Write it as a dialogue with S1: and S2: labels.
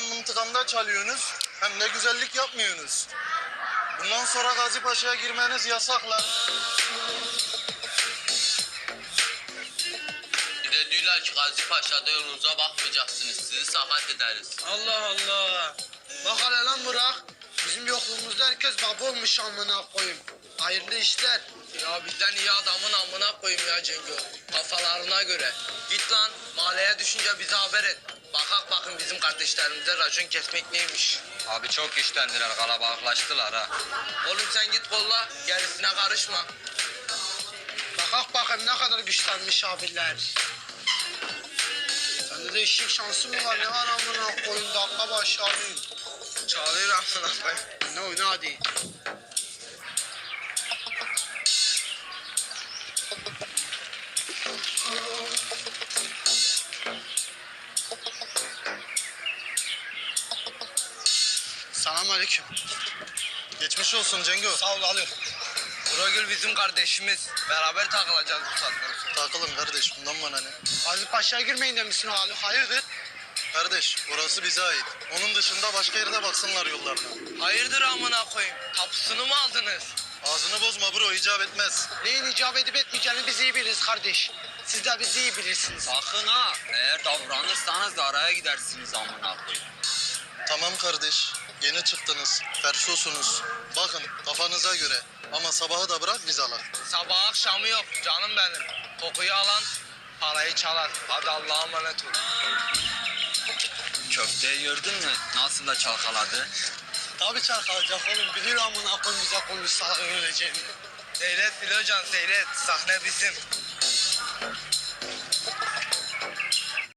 S1: Hem mıntıkamda çalıyorsunuz hem de güzellik yapmıyorsunuz. Bundan sonra Gazi Paşa'ya girmeniz yasak lan.
S2: Bir de diyorlar ki Gazi Paşa'da yolunuza bakmayacaksınız. Sizi sakat ederiz.
S3: Allah Allah. Bak hele lan Burak. Bizim yokluğumuzda herkes baba olmuş amına koyayım. Hayırlı işler.
S2: Ya bizden iyi adamın amına koyayım ya Cengo. Kafalarına göre. Git lan mahalleye düşünce bize haber et. Bakın bizim kardeşlerimize racon kesmek neymiş.
S4: Abi çok işlendiler, kalabalıklaştılar ha.
S2: Oğlum sen git kolla gerisine karışma.
S3: Bakak bakayım ne kadar güçlenmiş abiler. Sende de eşek şansı mı var? Ne var amına koyayım? Dakika başı alayım.
S2: Çağırıyor amına koyayım.
S3: Ne oyna hadi. Selamünaleyküm.
S1: Geçmiş olsun Cengo.
S3: Sağ ol alıyorum.
S2: Buragül bizim kardeşimiz. Beraber takılacağız bu saatten sonra.
S1: Takılın kardeş, bundan bana ne?
S3: Gazi Paşa'ya girmeyin demişsin Ali. Hayırdır?
S1: Kardeş, orası bize ait. Onun dışında başka yerde baksınlar yollarına.
S2: Hayırdır amına koyayım? Tapusunu mu aldınız?
S1: Ağzını bozma bro, icap etmez.
S3: Neyin icap edip etmeyeceğini biz iyi biliriz kardeş. Siz de bizi iyi bilirsiniz.
S4: Sakın ha, eğer davranırsanız da araya gidersiniz amına koyayım.
S1: Tamam kardeş, yeni çıktınız, fersosunuz. Bakın kafanıza göre. Ama sabahı da bırak biz alak.
S2: Sabah akşamı yok canım benim. Kokuyu alan parayı çalar. Hadi Allah'a emanet ol.
S4: Köfteyi gördün mü? Nasıl da çalkaladı?
S3: Tabii çarkalacak oğlum. Bilir amına koyayım bize konuşsa öleceğini.
S2: Seyret Bilocan seyret. Sahne bizim.